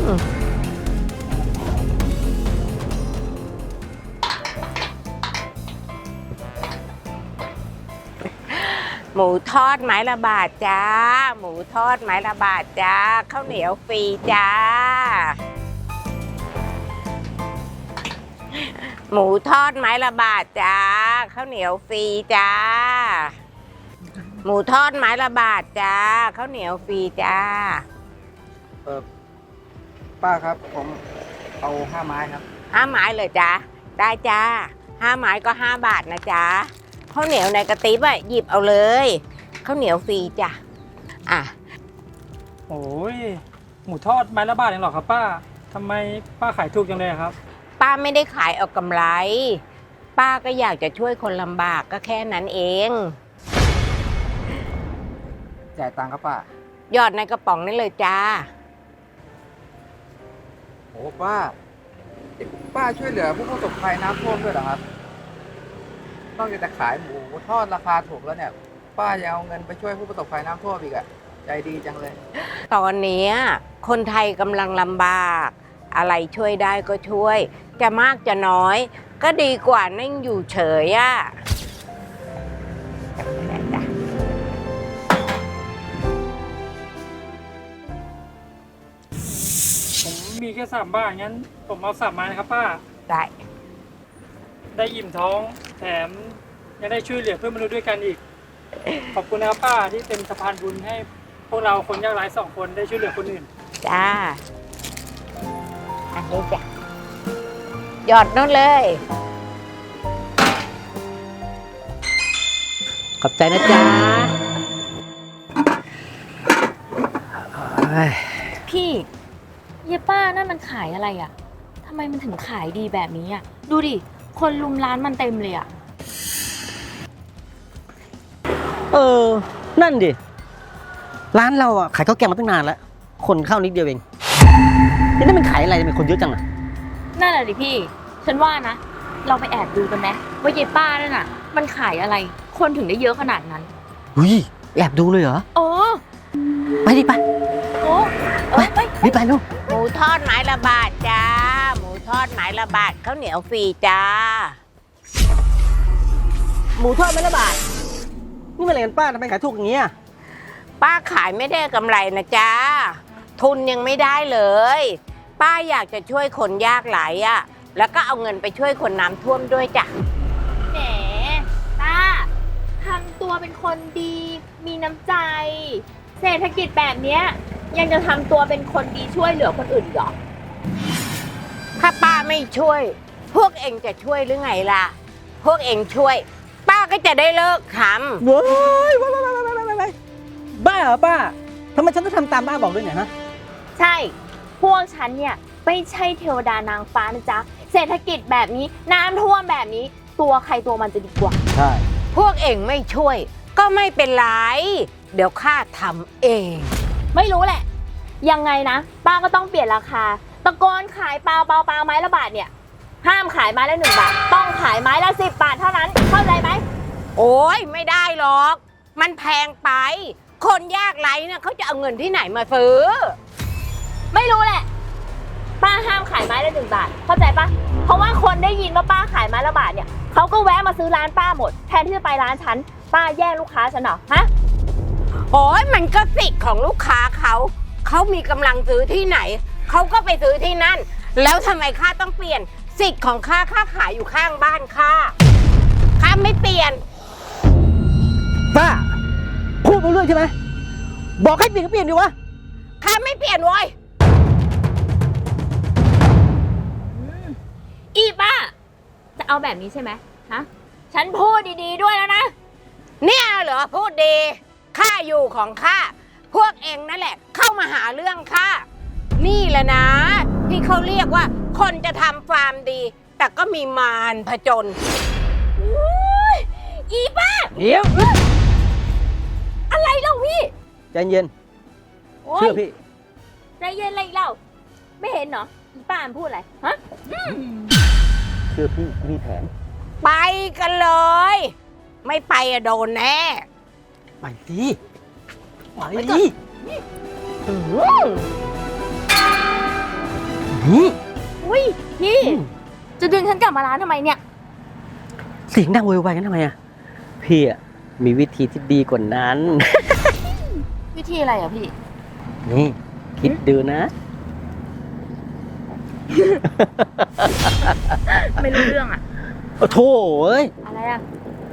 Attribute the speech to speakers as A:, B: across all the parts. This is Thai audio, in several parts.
A: หมูทอดไม้ละบาทจ้าหมูทอดไม้ละบาทจ้าข้าวเหนียวฟรีจ้าหมูทอดไม้ละบาทจ้าข้าวเหนียวฟรีจ้าหมูทอดไม้ละบาทจ้าข้าวเหนียวฟรีจ้า
B: ป้าครับผมเอา5 ไม้ครับ
A: 5 ไม้เลยจ้าได้จ้า5 ไม้ก็5 บาทนะจ้าข้าวเหนียวในกระติบอ่ะหยิบเอาเลยข้าวเหนียวฟรีจ้ะอ่ะ
C: โอ้ยหมูทอดไม้ละบาทเองเหรอครับป้าทำไมป้าขายถูกจังเลยครับ
A: ป้าไม่ได้ขายเอากำไรป้าก็อยากจะช่วยคนลำบากก็แค่นั้นเอง
B: จ่ายตังค์ครับป้า
A: หยอดในกระป๋องนี่เลยจ้า
B: โอ้ป้าช่วยเหลือผู้ประสบภัยน้ำท่วมด้วยเหรอครับนอกจากจะขายหมูทอดราคาถูกแล้วเนี่ยป้ายังเอาเงินไปช่วยผู้ประสบภัยน้ำท่วมอีกอะใจดีจังเลย
A: ตอนนี้คนไทยกำลังลำบากอะไรช่วยได้ก็ช่วยจะมากจะน้อยก็ดีกว่านั่งอยู่เฉยอ่ะ
C: ผมมีแค่3 บาทงั้นผมเอา3 ไม้นะครับป้าได้อิ่มท้องแถมยังได้ช่วยเหลือเพื่อนมนุษย์ด้วยกันอีกขอบคุณนะครับป้าที่เป็นสะพานบุญให้พวกเราคนยากไร้2 คนได้ช่วยเหลือคนอื่น
A: จ้าอันนี้จ้ะหยอดนู่นเลยขอบใจนะจ๊ะ
D: พี่เยป้านั่นมันขายอะไรอ่ะทำไมมันถึงขายดีแบบนี้อ่ะดูดิคนลุมร้านมันเต็มเลยอ่ะ
E: นั่นดิร้านเราอ่ะขายข้าวแกงมาตั้งนานแล้วคนเข้านิดเดียวเองนี่มันขายอะไรทำไมคนเยอะจังอ่ะ
D: นั่นแหละดิพี่ฉันว่านะเราไปแอบดูกันไหมว่าเยป้านั่นน่ะมันขายอะไรคนถึงได้เยอะขนาดนั้น
E: แอบดูเลยเหรอไปดิไปไปรีบไปลูก
A: หมูทอดไม้ละบาทจ้าหมูทอดไม้ละบาทข้าวเหนียวฟรีจ้า
E: หมูทอดไม้ละบาทนี่มันอะไรกันป้าทำไมขายถูกอย่างเงี้ย
A: ป้าขายไม่ได้กำไรนะจ้าทุนยังไม่ได้เลยป้าอยากจะช่วยคนยากไร้อ่ะแล้วก็เอาเงินไปช่วยคนน้ำท่วมด้วยจ้ะ
D: แหมป้าทำตัวเป็นคนดีมีน้ำใจเศรษฐกิจแบบเนี้ยยังจะทำตัวเป็นคนดีช่วยเหลือคนอื่นหรอ
A: ถ้าป้าไม่ช่วยพวกเองจะช่วยหรือไงล่ะพวกเองช่วยป้าก็จะได้เลิกทำ
E: ว้ายบ้าเหรอป้าทำไมฉันต้องทำตามป้าบอกด้วยเนี่ยฮะ
D: ใช่พวกฉันเนี่ยไม่ใช่เทวดานางฟ้านะจ๊ะเศรษฐกิจแบบนี้น้ำท่วมแบบนี้ตัวใครตัวมันจะดีกว่า
E: ใช่
A: พวกเองไม่ช่วยก็ไม่เป็นไรเดี๋ยวข้าทำเอง
D: ไม่รู้แหละยังไงนะป้าก็ต้องเปลี่ยนราคาตะโกนขายเปล่าไม้ละบาทเนี่ยห้ามขายไม้ละ1 บาทต้องขายไม้ละ10 บาทเท่านั้นเข้าใจไหม
A: โอ้ยไม่ได้หรอกมันแพงไปคนยากไร้เนี่ยเขาจะเอาเงินที่ไหนมาซื้อ
D: ไม่รู้แหละป้าห้ามขายไม้ละ1 บาทเข้าใจปะเพราะว่าคนได้ยินว่าป้าขายไม้ละบาทเนี่ยเขาก็แวะมาซื้อร้านป้าหมดแทนที่จะไปร้านฉันป้าแย่งลูกค้าฉันเหรอฮะ
A: โอ้ยมันก็สิทธิ์ของลูกค้าเขามีกำลังซื้อที่ไหนเขาก็ไปซื้อที่นั่นแล้วทำไมข้าต้องเปลี่ยนสิทธิ์ของข้าขายอยู่ข้างบ้านข้าไม่เปลี่ยน
E: ป้าพูดไปเรื่อยใช่ไหมบอกให้เปลี่ยนก็เปลี่ยนดิวะ
A: ข้าไม่เปลี่ยนเว้ย
D: อีป้าจะเอาแบบนี้ใช่ไหมฮะฉันพูดดีๆด้วยแล้วนะ
A: เนี่ยเหรอพูดดีข้าอยู่ของข้าพวกเองนั่นแหละเข้ามาหาเรื่องข้านี่แหละนะที่เขาเรียกว่าคนจะทำฟาร์มดีแต่ก็มีมารผจญ
D: อีป้า
E: เดี๋ยว
D: อะไรเล่าพี่
E: ใจเย็นเชื่อพี่
D: ใจเย็นอะไรเล่าไม่เห็นเหรออีป้าพูดอะไรฮะ
E: เชื่อพี่มีแผน
A: ไปกันเลยไม่ไปอะโดนแน่
E: ไปสิไปดินี่
D: อุ้ยพี่ จะดึงฉันกลับมาร้านทำไมเนี่ย
E: เสียงดังโวยวายกันทำไมอะพี่อะมีวิธีที่ดีกว่านั้น
D: วิธีอะไรอ่ะพี่
E: นี่ คิดดูนะ
D: ไม่รู้เรื่องอ่ะ
E: โอ้โถเอ้ย
D: อะไรอ่ะ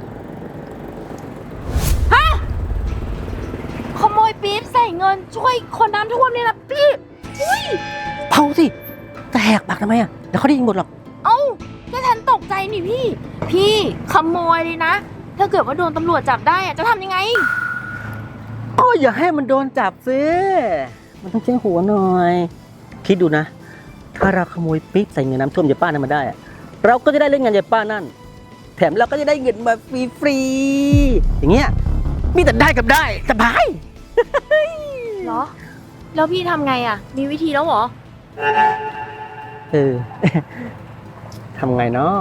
D: ฮะ ขโมยปี๊บใส่เงินช่วยคนน้ำท่วมเนี่ยนะพี่ อุ้ย
E: เผาสิจะแหกปากทำไมอะเดี๋ยวเขาได้ยินหมดหรอก
D: เอ้าก็ฉันตกใจนี่พี่ พี่ขโมยเลยนะ ถ้าเกิดว่าโดนตำรวจจับได้อะจะทำยังไง
E: ก็อย่าให้มันโดนจับซิมันต้องใช้หัวหน่อย คิดดูนะ ถ้าเราขโมยปิ๊บใส่เงินน้ำท่วมยายป้านั้นมาได้อะเราก็จะได้เล่นงานยายป้านั่น แถมเราก็จะได้เงินมาฟรีๆอย่างเงี้ย มีแต่ได้กับได้สบาย
D: เหรอ แล้วพี่ทำไงอ่ะ มีวิธีแล้วเหรอ
E: เออ ทำไงเนาะ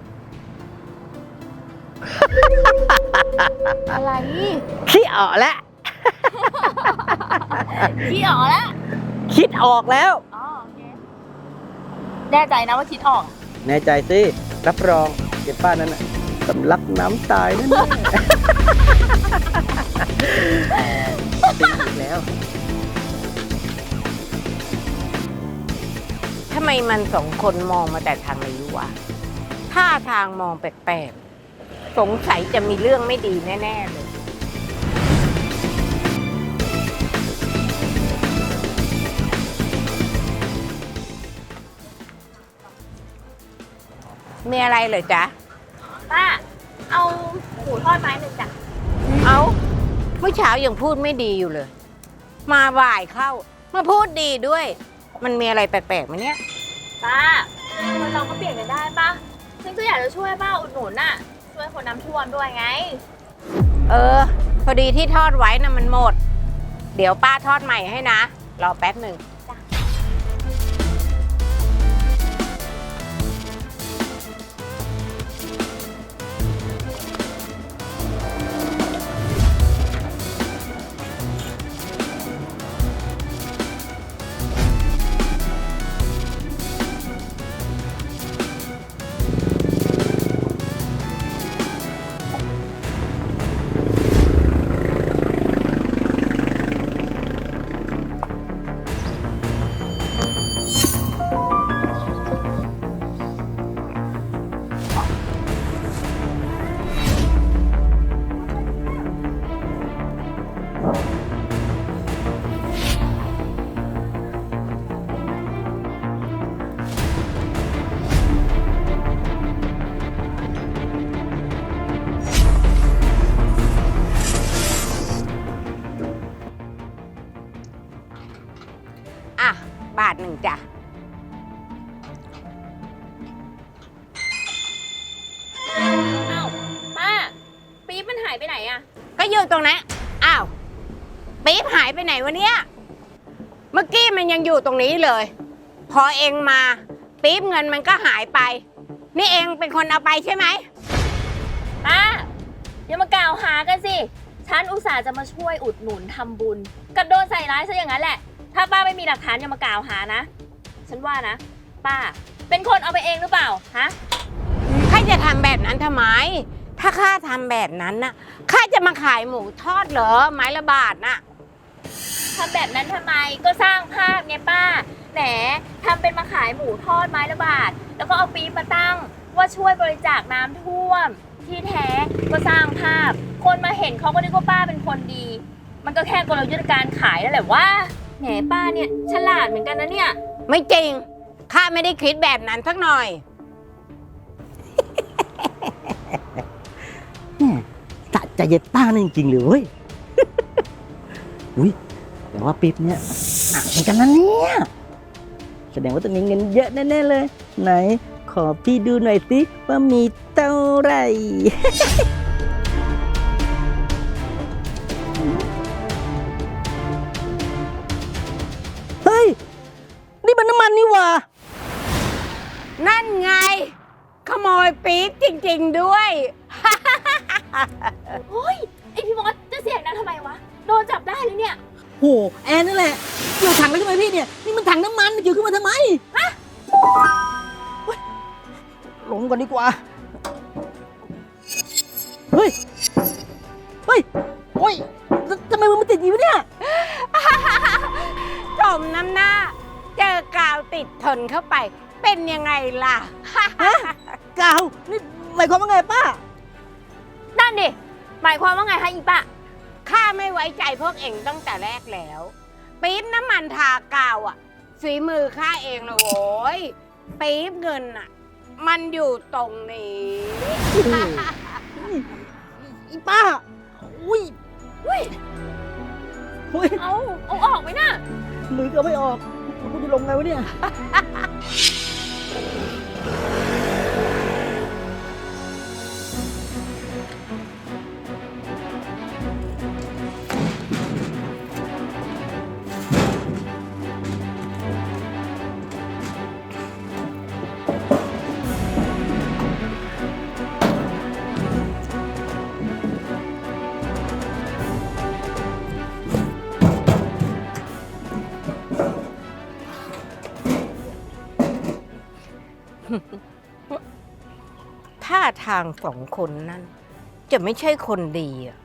D: อะไร
E: คิดออกแล้ว
D: พี่ออกแล้ว
E: คิดออกแล้ว
D: อ๋อโอเคแน่ใจนะว่าคิดออก
E: แน่ใจสิรับรองยายป้านั้นน่ะสำลักน้ำตายแน่ๆตีอีกแล้ว
A: ทำไมมันสองคนมองมาแต่ทางนี้วะท่าทางมองแปลกๆ สงสัยจะมีเรื่องไม่ดีแน่ๆเลย มีอะไรเหรอจ๊ะ
D: ป้า เอาหมูทอดไม้หนึ่งจ้ะ
A: เอาเมื่อเช้ายังพูดไม่ดีอยู่เลย มาบ่ายเข้า มาพูดดีด้วย มันมีอะไรแปลกๆไหมเนี่ย
D: ป้าคนเราก็เปลี่ยนกันได้ป้าฉันก็อยากจะช่วยป้าอุดหนุนน่ะ ช่วยคนน้ำท่วมด้วยไง
A: เออ พอดีที่ทอดไว้นะมันหมด เดี๋ยวป้าทอดใหม่ให้นะ รอแป๊บหนึ่ง อ่ะ บาทหนึ่งจ้ะ
D: อ้าวป้า ปี๊บมันหายไปไหนอะ
A: ก็อยู่ตรงนั้น อ้าว ปี๊บหายไปไหนวะเนี่ย เมื่อกี้มันยังอยู่ตรงนี้เลย พอเองมา ปี๊บเงินมันก็หายไป นี่เองเป็นคนเอาไปใช่ไหม
D: ป้าอย่ามากล่าวหากันสิ ฉันอุตส่าห์จะมาช่วยอุดหนุนทำบุญกับโดนใส่ร้ายซะอย่างนั้นแหละ ถ้าป้าไม่มีหลักฐานอย่ามากล่าวหานะ ฉันว่านะ ป้า เป็นคนเอาไปเองหรือเปล่า ฮะ
A: ข้าจะทำแบบนั้นทำไม ถ้าข้าทำแบบนั้นน่ะ ข้าจะมาขายหมูทอดเหรอ ไม้ละบาทน่ะ
D: ทำแบบนั้นทำไม ก็สร้างภาพไงป้า แหมทำเป็นมาขายหมูทอดไม้ละบาท แล้วก็เอาปี๊บมาตั้ง ว่าช่วยบริจาคน้ำท่วม ที่แท้ก็สร้างภาพ คนมาเห็นเขาก็นึกว่าป้าเป็นคนดี มันก็แค่กลยุทธ์การขายนั่นแหละว่าแหมป้าเนี่ยฉลาดเหมือนกันนะเนี่ย
A: ไม่จริง ข้าไม่ได้คิดแบบนั้นสักหน่อย
E: สะใจยายป้านั่นจริงๆเลยเว้ย อุ้ยแต่ว่าปิ๊บเนี่ยหนักเหมือนกันนะเนี่ย แสดงว่าต้องมีเงินเยอะแน่ๆเลย ไหน ขอพี่ดูหน่อยสิว่ามีเท่าไหร่ เฮ้ย นี่มันน้ำมันนี่หว่า
A: นั่นไง ขโมยปี๊บจริงๆด้วย
D: เฮ้ย ไอพี่มอสจะเสียงนั้นทำไมวะ โดนจับได้เลยเนี่ย
E: โห แอนนั่นแหละเกี่ยวถังแล้วใช่ไหมพี่เนี่ย นี่มันถังน้ำมันเกี่ยวขึ้นมาทำไม
D: ฮะ
E: มก่อนดีกว่า เฮ้ย เฮ้ย โอ้ยทำไมมันติดอยู่เนี่ย
A: สมน้ำหน้า เจอกาวติดทนเข้าไป เป็นยังไงล่ะ
E: กาว นี่หมายความว่าไงป้า
D: นั่นดิ หมายความว่าไงคะอีป้า
A: ข้าไม่ไว้ใจพวกเองตั้งแต่แรกแล้ว ปี๊บน้ำมันทากาวอ่ะฝีมือข้าเองนะโว้ยปี๊บเงินอ่ะ มันอยู่ตรงนี้
E: อีป้า อุ้ยอุ้ย
D: เอาออกไหมน่ะ
E: มือก็ไม่ออกกูจะลงไงวะเนี่ย
A: ท่าทางสองคนนั้น จะไม่ใช่คนดีอ่ะ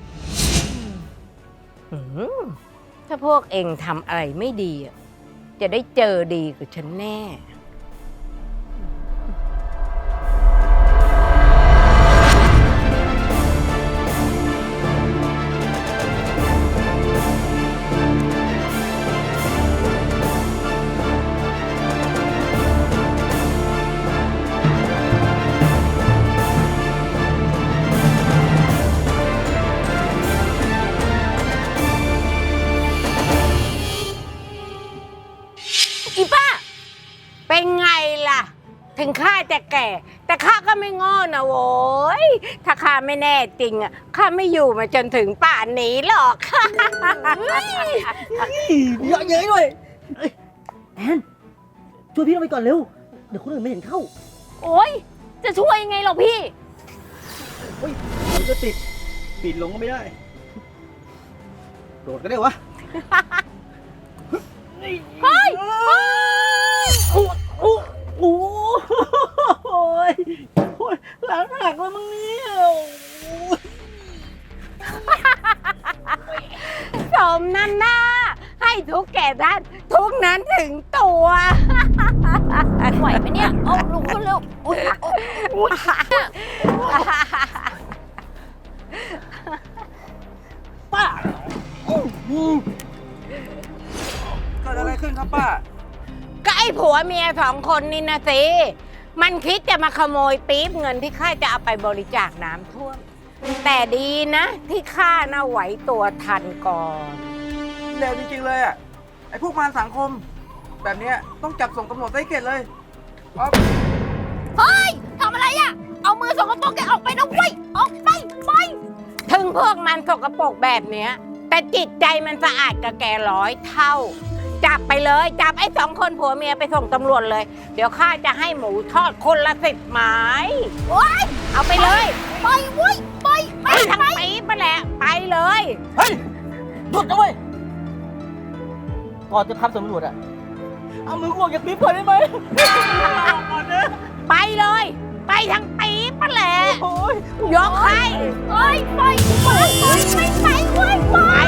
A: อืมถ้าพวกเองทำอะไรไม่ดีอ่ะจะได้เจอดีกับฉันแน่
D: อีป้า
A: เป็นไงล่ะ ถึงข้าจะแก่ แต่ข้าก็ไม่ง้อนะโว้ยถ้าข้าไม่แน่จริงอ่ะข้าไม่อยู่มาจนถึงป่านนี้หรอก
E: เยอะเย้ยด้วยเอ้ยแอนช่วยพี่ลงไปก่อนเร็ว เดี๋ยวคนอื่นไม่เห็นเข้า
D: โอ๊ย จะช่วยยังไงหรอพี่
E: เฮ้ยมันจะติดปีนลงก็ไม่ได้ โดดก็ได้วะ
D: เฮ้ย
E: โอ้โอ้โอ้โอ้ยโอ้ยหลังหักแล้วมึงเนี่ยโอ้ย
A: สมน้ำหน้า ให้ทุกแก่ด้านทุกนั้นถึงตัว
D: ไหวไหมเนี่ย เอาลุกขึ้นเร็วอุ๊ย
E: ป้าอื้อ
B: เกิดอะไรขึ้นครับป้า
A: ก็ไอ้ผัวเมียสองคนนี่นะสิ มันคิดจะมาขโมยปี๊บเงินที่ข้าจะเอาไปบริจาคน้ำท่วม แต่ดีนะ ที่ข้าน่ะไหวตัวทันก่อน
B: เลวจริงๆเลยอ่ะ ไอ้พวกมารสังคม แบบเนี้ยต้องจับส่งตำรวจได้เข็ดเลยอ๋อ
D: เฮ้ย ทำอะไรอ่ะ เอามือสกปรกแกออกไปนะเว้ย ออกไป ไป
A: ถึงพวกมันสกปรกแบบเนี้ย แต่จิตใจมันสะอาดกับแก100 เท่า จับไปเลย จับไอ้สองคนผัวเมียไปส่งตำรวจเลย เดี๋ยวข้าจะให้หมูทอดคนละ10 ไม้ เอาไปเลย
D: ไปเว้ย ไป
A: ไปทั้งปี๊บไปแหละ ไปเลย
E: เฮ้ยหยุดนะเว้ย ก่อนจะทำสำรวจอะเอามือออกจากปี๊บก่อนได้ไหมก่อนนะ
A: ไปเลย ไปทั้งปี๊บไปแหละ
E: โอ้ย
A: ยกให้
D: เฮ้ย ไป ไป ไป ไป ไปเว้ย ไป
A: ไป